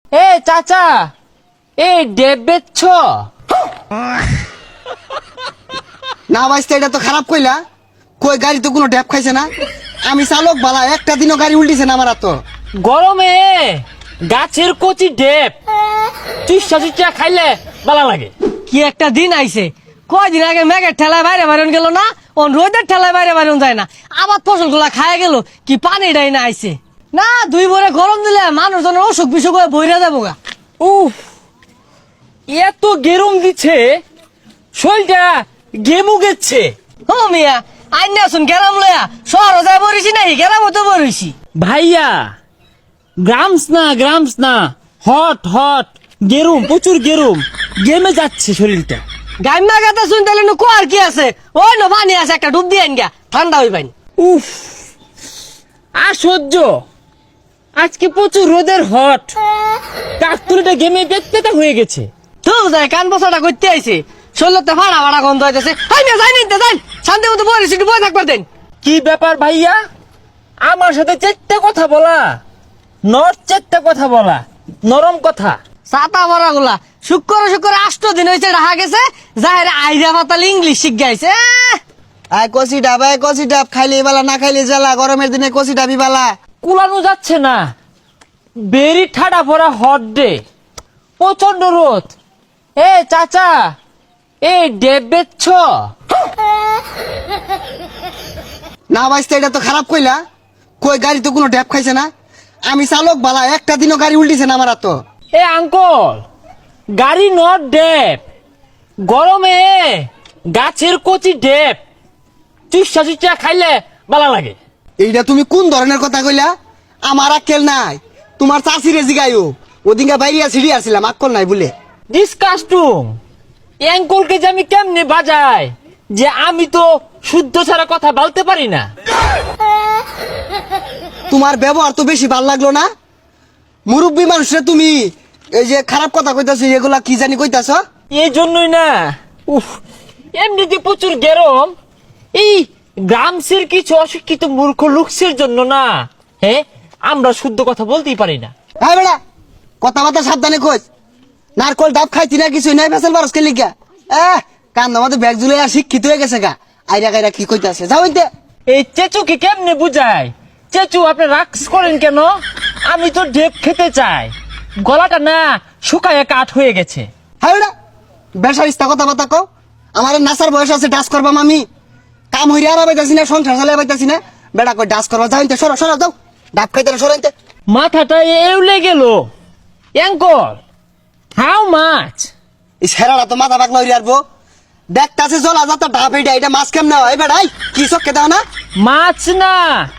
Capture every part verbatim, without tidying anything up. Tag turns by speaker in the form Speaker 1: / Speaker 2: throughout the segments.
Speaker 1: এ চাচা, এই ডেব বেচছ?
Speaker 2: না ভাইস্তা, এটা তো খারাপ কইলা। কই গাড়ি তো কোনো ড্যাপ খাইছে না। আমি চালক বালা, একটা দিনও গাড়ি উল্টিছে না আমার। তো
Speaker 1: গরমে গাছের কচি ডেব চুষা চুষা খাইলে ভালো লাগে।
Speaker 3: কি একটা দিন আইছে, কয়দিন আগে মেঘের ঠেলায় বাইরে বাইরন গেল না, ও রোদের ঠেলায় বাইরে বাইরন যায় না। আবার ফসল গুলা খায় গেল, কি পানি ডাই না আইছে না। দুই ভরে গরম দিলে মানুষজনের অসুখ বিসুখ হয়ে বইরা যাবো গা।
Speaker 1: উফ, এত গেরম দিচ্ছে, শরীরটা গেমু গেছে।
Speaker 3: ও মিয়া, আইন আসুন গেলাম লয়া, শহর যায় বরিছি নাই, গেলাম তো বরিছি।
Speaker 1: ভাইয়া, গ্রামস না গ্রামস না, হট হট গেরুম, প্রচুর গেরুম, গেমে যাচ্ছে শরীরটা।
Speaker 3: গাইমা গাতা শুন তাহলে নু কোয়ার কি আছে, ওই নো পানি আছে, একটা ডুব দিয়ে আইন গা, ঠান্ডা হই পাইন।
Speaker 1: উফ, আর সহ্য। আজকে প্রচুর রোদের হট, কাকতুলিটা গেমে পেতে হয়ে গেছে।
Speaker 3: তো যায় কান বসাটা করতে আইছে, শরীরতে ফাড়া ফাড়া গন্ধ হইতেছে। আই মিয়া যাই নিতে যাই, শান্তি মতো বরিছি, একটু বই থাকবার দেন।
Speaker 1: কি ব্যাপার ভাইয়া, আমার সাথে চেট্টা কথা বলা, নর চেট্টা কথা বলা, নরম কথা।
Speaker 3: ছাতা ভরা গুলা শুক্র শুক্র আষ্ট দিন হয়েছে রাহা গেছে, যাহের আইরা পাতাল ইংলিশ শিখ গাইছে।
Speaker 2: আয় কষি ডাব, আয় কষি ডাব, খাইলে বালা না খাইলে জ্বালা। গরমের দিনে কষি ডাবি বালা।
Speaker 1: কুলানো যাচ্ছে না, বেরি ঠাডা ভরা হট ডে, প্রচন্ড রোদ। এ চাচা, এই ডেব বেচছ?
Speaker 2: না ভাইস্তা, এটা তো খারাপ কইলা। কই গাড়ি তো কোনো ড্যাপ খাইছে না। আমি চালক বালা, একটা দিনও গাড়ি উল্টিছে না আমার। তো
Speaker 1: এ আঙ্কল, গাড়ি নট ডেব, গরমে গাছের কচি ডেব চুষা চুষা খাইলে ভালো লাগে।
Speaker 2: এইটা তুমি কোন ধরনের কথা কইলা? আমার আক্কেল নাই। তোমার চাষিরে জিগাইও, ওদিনকে বাইরিয়া সিঁড়ি আসছিলাম, আক্কল নাই বলে।
Speaker 1: ডিসকাস্টুম, অ্যাঙ্কলকে যে আমি কেমনে বাজাই, যে আমি তো শুদ্ধ ছাড়া কথা বলতে পারি না।
Speaker 2: তোমার ব্যবহার তো বেশি ভাল লাগলো না। মুরব্বী মানুষরা তুমি এই যে খারাপ কথা কইতাছো, এগুলা কি জানি কইতাছ।
Speaker 1: এই জন্যই না, উফ, এমনিতে প্রচুর গরম। এই গ্রামসের কিছু অশিক্ষিত মূর্খ লোকসের জন্য না, হ্যাঁ, আমরা শুদ্ধ কথা বলতেই পারি না।
Speaker 2: হ্যাঁ বেড়া, কথাবার্তা সাবধানে কইস। নারকল ডাব খাইতি না, কিছু নাই, ফেসেল বারস কে লিখা। এহ, কান আমাদের ব্যাগ জুলে আর শিক্ষিত হয়ে গেছে গা। আইরা গাইরা কি কইতাছে, যাও ইনতে।
Speaker 1: এই চেচুকে কেমনে বুঝায়? চেচু, আপনি রাক্স করেন কেন? আমি তো ডেপ খেতে চাই, গলাটা না শুকায় কাঠ হয়ে গেছে।
Speaker 2: হ্যাঁ বেড়া, বেসার ইস্তা কথাবার্তা কও। আমার নাসার বয়স আছে, ডাস করবাম আমি। কাম হইরে আর পাইতাছি না, সংসার চালাই পাইতাছি না। বেড়া কই ডাস করবা, যাও ইনতে, সরো সরো, যাও। ডাব খাইতে না, সরো ইনতে।
Speaker 1: মাথাটা এউলে গেল। Uncle, how much?
Speaker 2: এই ছেড়াটা তো মাথা পাকলা হইরে আসবো। দেখতাছে জলা যাতা ডাব, এইটা এটা মাছ কেমনে হয় বেড়াই? কি চক্কে দাও না?
Speaker 1: মাছ না,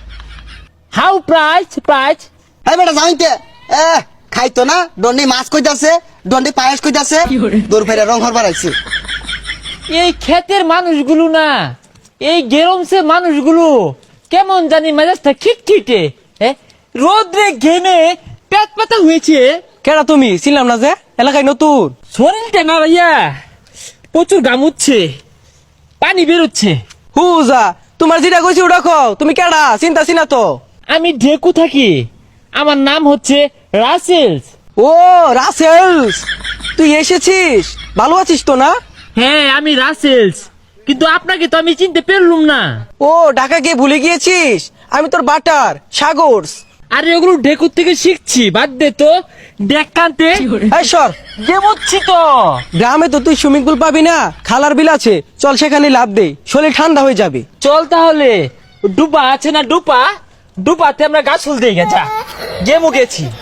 Speaker 1: হাউ প্রাইস প্রাইস?
Speaker 2: হ্যাঁ বেটা, যাও ইনতে। এ খাইতো না, দন্ডি মাছ কইতাছে, দন্ডি পায়েস কইতাছে, দূর ফেরে রং হরবার আইছে।
Speaker 1: এই ক্ষেতের মানুষগুলো না, এই গেরমসে মানুষগুলো কেমন জানি মেজাজটা খিটখিটে, হ্যাঁ, রোদ্রে ঘেমে পেট পাতা হয়েছে।
Speaker 3: কেডা তুমি? ছিলাম না যে এলাকায় নতুন।
Speaker 1: শরীরটা না ভাইয়া প্রচুর গামুচ্ছে, পানি বেরোচ্ছে।
Speaker 3: হুজা, তোমার যেটা কইছি ওটা খাও। তুমি কেডা? চিন্তা চিনা তো।
Speaker 1: আমি ঢেকু থাকি, আমার নাম হচ্ছে রাসেলস।
Speaker 3: ও রাসেলস, তুই এসেছিস? ভালো আছিস তো না?
Speaker 1: হ্যাঁ, আমি রাসেলস, কিন্তু আপনাকে তো আমি চিনতে পারলুম না।
Speaker 3: ও ঢাকা গিয়ে ভুলে গিয়েছিস? আমি তোর বাটার সাগরস।
Speaker 1: আরে ওগুলো ঢেকুর থেকে শিখছি, বাদ দে তো। দেখ কান্তে
Speaker 3: এই সর,
Speaker 1: গেমুচ্ছি তো।
Speaker 3: গ্রামে তো তুই সুইমিং পুল পাবি না, খালার বিল আছে, চল সেখানে লাভ দে, শরীর ঠান্ডা হয়ে যাবে।
Speaker 1: চল তাহলে, ডুবা আছে না ডুপা, ডুপাতে আমরা গাছ ফুল দিয়ে গেছা, গেমু গেছি।